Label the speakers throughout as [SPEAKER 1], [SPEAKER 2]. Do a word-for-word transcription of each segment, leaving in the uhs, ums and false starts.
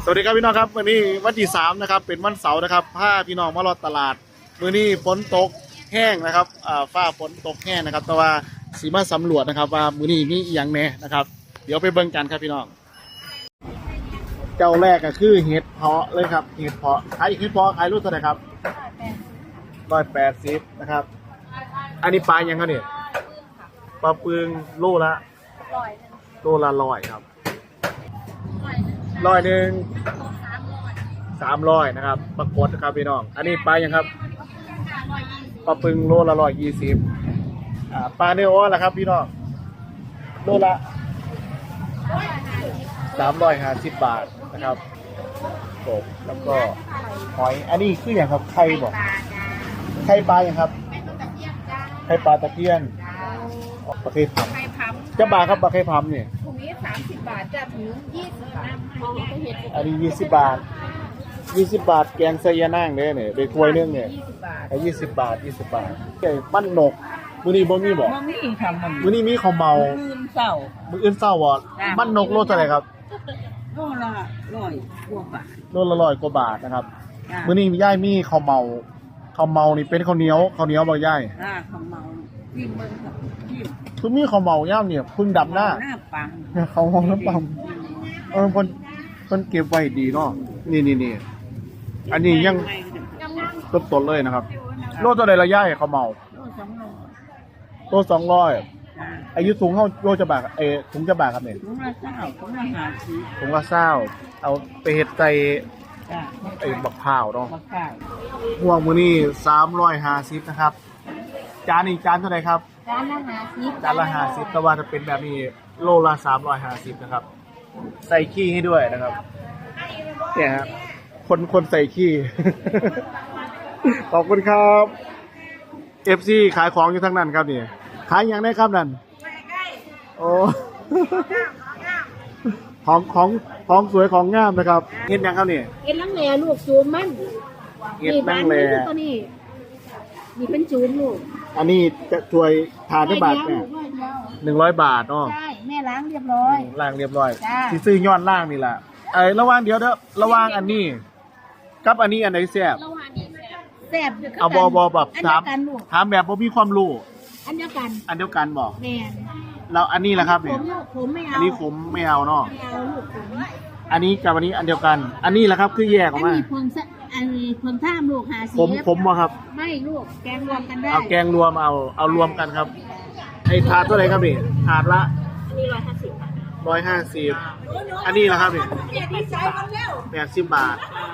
[SPEAKER 1] วัสดีครับพี่น้องครับวันนี้วันที่สามนะครับเป็นวันเสาร์นะครับพาพี่น้องมารอตลาดมื้อนี้ฝนตกแห้งนะครับอ่าฟ้าฝนตกแห้งนะครับแต่ว่าสีมาสำรวจนะครับว่ามื้อนี้มีอหย่างแน่นะครับเดี๋ยวไปเบิ่งกันครับพี่น้องเจ้าแรกก็คือเห็ดเพาะเลยครับเห็ดเพาะขายเห็ดเพาะขายรุ่นเท่าไหร่ครับร้อยแปดสิบนะครับอันนี้ปลายังครับเนี่ยปลาปึงโลละโลละร้อยครับร้อยหนึ่งสามร้อยนะครับปรากฏนะครับพี่น้องอันนี้ปลายังครับปลาปึงโลละร้อยยี่สิบอ่าปลาเนื้ออ้อละครับพี่น้องโลละสามร้อยห้าสิบบาทนะครับกบแล้วก็หอยอันนี้คืออย่างครับไข่บอกไข่ปลาอย่างครับไข่ปลาตะเพียนปลาเค็มจะบาทครับปลาเค็มเนี่ย
[SPEAKER 2] ถุงนี้สามสิบบาทจะถึงยี่สิบบาท
[SPEAKER 1] อันนี้ยี่สิบบาทยี่สิบบาทแกงไซยานั่งเนี่ยเนี่ยเด็กถ้วยนึงเนี่ยไอ้ยี่สิบบาทยี่สิบบาทไอ้ปั้นนกมื้อนี้บ่มีบ่
[SPEAKER 2] มื้อนี้ทำมัน
[SPEAKER 1] มื้อนี้มีข้าวเมา
[SPEAKER 2] มื้อเช้า
[SPEAKER 1] มื้ออื่นเช้าบ่ปั้นนกโลเท่าไหร่ครับ
[SPEAKER 2] โลละร้อยกว่าบาท
[SPEAKER 1] โลละร้อยกว่าบาทนะครับมื้อนี้ย่ายมีข้าวเมาข้าวเมานี่เป็นข้าวเหนียวข้าวเหนียวบ่ย่าย
[SPEAKER 2] อ่าข้าวเมาปิ้งเบิ่งกับปิ้ง
[SPEAKER 1] คือมีข้าวเมาย่ามเนี่ยพึ่งดับหน้า
[SPEAKER 2] หน้าปัง
[SPEAKER 1] เขาห้องน้ำปังเออเพิ่นเพิ่นเก็บไว้ดีเนาะนี่ๆๆอันนี้ยังสดๆเลยนะครับโลเท่าใดละย่ายข้าวเมาโลสองร้อยอายุสูงเท่าโลจะบาทเอถุงจะบาทครับเนี่ย
[SPEAKER 2] ถุงละเก้าถุงละห้าสิบ
[SPEAKER 1] ถุงละเศร้าเอาไปเห็ดใจไอ้บักพร้าวเนาะ
[SPEAKER 2] บักพร้าว
[SPEAKER 1] ห่วงมือนี่สามร้อยห้าสิบนะครับจานนี้จานเท่าไหร่ครับ
[SPEAKER 2] จานละห้าสิบ
[SPEAKER 1] จานละห้าสิบแต่ว่าจะเป็นแบบนี้โลละสามร้อยห้าสิบนะครับใส่ขี้ให้ด้วยนะครับเนี่ยครับคนคนใส่ขี้ขอบคุณครับเอฟซีขายของอยู่ทั้งนั้นครับนี่ขายอย่างได้ครับนั่นโอ้ของของของสวยของงามนะครับเห็นยังครับนี่
[SPEAKER 2] เห็นลังแหล่ลูกจูมมัน
[SPEAKER 1] เห็นลังแหล่
[SPEAKER 2] ตัวนี้นี่เป็นจูมลูก
[SPEAKER 1] อันนี้จะช่วยทานได้บาทแม่หนึ่งร้อยบาทเนาะ
[SPEAKER 2] ใช่แม่ล้างเรียบร้อย
[SPEAKER 1] ล้างเรียบร้อยที่ซื้อย้อนล่างนี่แหละไอ้ระว่างเดี๋ยวเด้อระว่างอันนี้กับอันนี้อันไหนแซ่บ
[SPEAKER 2] แซ่บ
[SPEAKER 1] เอาบอบอแบบถามถามแบบบ่มีความรู้
[SPEAKER 2] อันเดียวกัน
[SPEAKER 1] อันเดียวกันบอก
[SPEAKER 2] แม่
[SPEAKER 1] แล้วอันนี้แหละครับ
[SPEAKER 2] เนี่ยผมไม่เอา
[SPEAKER 1] อันนี้ผมไม่เอาเนาะ
[SPEAKER 2] ไม่เอาลูกผม
[SPEAKER 1] อันนี้กับอันนี้อันเดียวกันอันนี้แหละครับคือแยกออกมา
[SPEAKER 2] อันนี้ผมอันนี้ผมท่ามลูกหาสี
[SPEAKER 1] ผมผมมาครับ
[SPEAKER 2] ไม่ลูกแกงรวมกันได้
[SPEAKER 1] เอาแกงรวมเอาเอารวมกันครับไอ้ถาดเท่าไหร่ครับนี่ถาดละ
[SPEAKER 2] อันนี้ร้อยห้าสิบ
[SPEAKER 1] ร้อยห้าสิบอันนี้แหละครับนี่แปดสิบบาท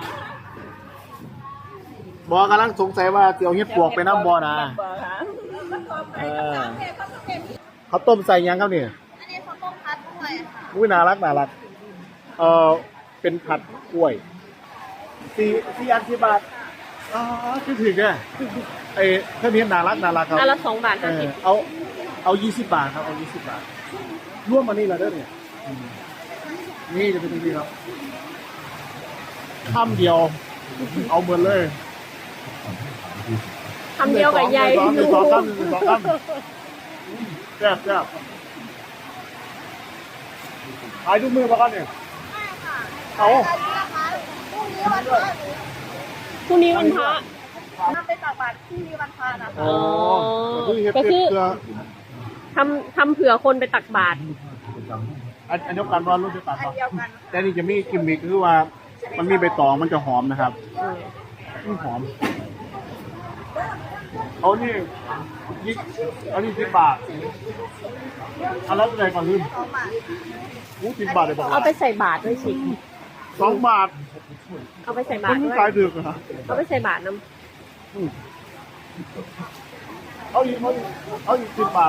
[SPEAKER 1] บอกำลังสงสัยว่าเจียวเห็ดปวกไปน้ำบอนะเออเขาต้มใส่ยังครับเนี่ย
[SPEAKER 2] อันนี้เขาต้มพัดกล้วยค่ะ
[SPEAKER 1] อุ้ยน่ารักน่ารักเออเป็นผัดกล้วยสี่สี่อันสี่บาทอ๋อคือถึงอ่ะไอ้เท่านี้น่ารักน่ารักครับ
[SPEAKER 2] อันละสองบาทห้าสิบ
[SPEAKER 1] เอาเอายี่สิบบาทครับเอายี่สิบบาทร่วมมานี่ละเด้อเนี่ยนี่จะเป็นยังไงครับข้ามเดียวเอาเหมือนเลย
[SPEAKER 2] ทำเดียวกับใหญ่
[SPEAKER 1] หนึ่งสองคำหนึ่งสองคำแซ่บแซ่บขายทุกมือมากันเนี่ยเอา
[SPEAKER 2] พรุ่งนี้วันพระมาไปตักบาตรพรุ่งนี้วันพระนะคะอ๋อก็คือทำทำเผื่อคนไปตักบาตร
[SPEAKER 1] อันอันเดียวกันว่ารุ่นเดียวกันแต่นี่จะมีกิมมิคคือว่ามันมีใบตองมันจะหอมนะครับหอมเอานี่ยี่อันนี้สิบบาทอันละเท่าไหร่ก่อนลืมอู้สิบบาทเลยบอก
[SPEAKER 2] เอาไปใส่บาตรด้วยสิ
[SPEAKER 1] สองบาท
[SPEAKER 2] เอาไปใส่บาตรด้วย
[SPEAKER 1] ขายดึกเหรอ
[SPEAKER 2] เอาไปใส่บาตรน้ำ
[SPEAKER 1] เอาอีกเอาอีกเอาอีกสิบบาท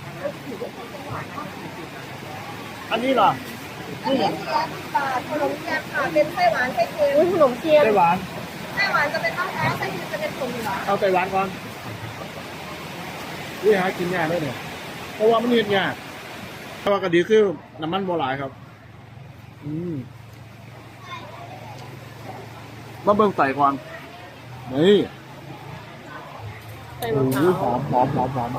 [SPEAKER 1] อันนี้ล่ะ
[SPEAKER 2] อันนี้สิบบาทขนมเทียนค่ะเป็นไส้หวานไส้เค็มขนมเทียน
[SPEAKER 1] ไส้หวาน
[SPEAKER 2] ไส้หวานจะเป็นมะพร้าวไส้เค็มจะเป็นผงเหรอ
[SPEAKER 1] เอาไส้หวานก่อนนี่หากินยากเลยเนี่ยเพราะว่ามันเห็นยากเพราะว่ากระดีคือน้ำมันโบราณครับอืมมาเบิ่งใส่ก่อนนี่
[SPEAKER 2] ใส่มะพร้าว
[SPEAKER 1] หอมหอมหอมหอม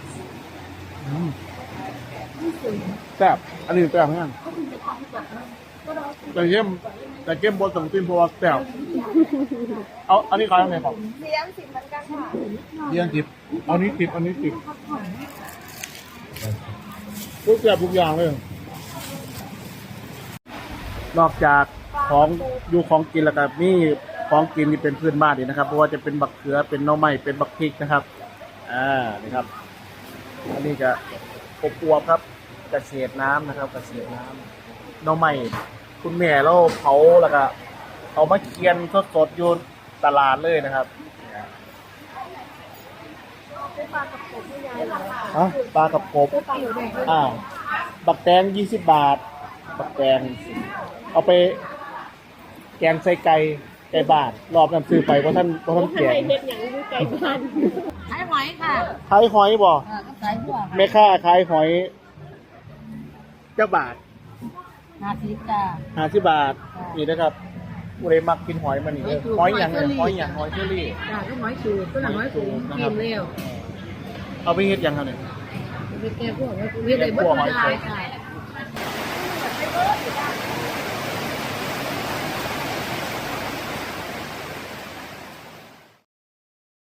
[SPEAKER 1] แซ่บอันนี้แซ่บเหมือนกันแต่เข้มแต่เข้มบนสังตินเพราะว่าแซ่บเอาอันนี้ขายยังไงครับ
[SPEAKER 2] เลี้ยงสิบเหมือนกันค่ะ
[SPEAKER 1] เลี้ยงจิบอันนี้จิบอันนี้จิบทุกอย่างทุกอย่างเลย นอกจากของอยู่ของกินแล้วก็มีของกินที่เป็นพื้นบ้านนี่นะครับเพราะว่าจะเป็นบักเขือเป็นหน่อไม้เป็นบักพริกนะครับอ่านี่ครับอันนี้จะอบอวบครับเกษตรน้ำนะครับเกษตรน้ำหน่อไม้คุณแม่เราเผาแล้วก็เอามาเคียนสดๆอยู่ตลาดเลยนะครับ
[SPEAKER 2] เป็นปลากับกบที่ยายเหรอ
[SPEAKER 1] อ่ะปลากับกบ
[SPEAKER 2] เป็นปลาอยู่แดง
[SPEAKER 1] อ่าบักแตงยี่สิบบาทบักแตงเอาไปแกงใส่ไก่ไก่บาทรอบนั้นซื้อไปเพราะท่านเพราะท่าน
[SPEAKER 2] ข้าง
[SPEAKER 1] แก
[SPEAKER 2] ใน
[SPEAKER 1] ง
[SPEAKER 2] เฮ็ดอย่างอยู่ไก่บ้าน
[SPEAKER 3] ขายหอยค่ะ
[SPEAKER 1] ขายหอยบ่
[SPEAKER 3] เออก็ขายหัว
[SPEAKER 1] แม่ค้าขายหอยเจ้าบาท
[SPEAKER 3] ห้าสิบจ้า
[SPEAKER 1] ห้าสิบบาทนี่นะครับผู้ใดมักกินหอยมันนี่เด้อหอยอย่างเนี่ยหอยอย่างหอยเชอรี่
[SPEAKER 3] จ้าก็หอยสูตรก็หอยสูตรกินเร็ว
[SPEAKER 1] เอาไปเฮ็ดหยังครับเนี่ย
[SPEAKER 3] ไปแก้พวกหอยสูตรเฮ็ดได้เบิดได้ค่ะ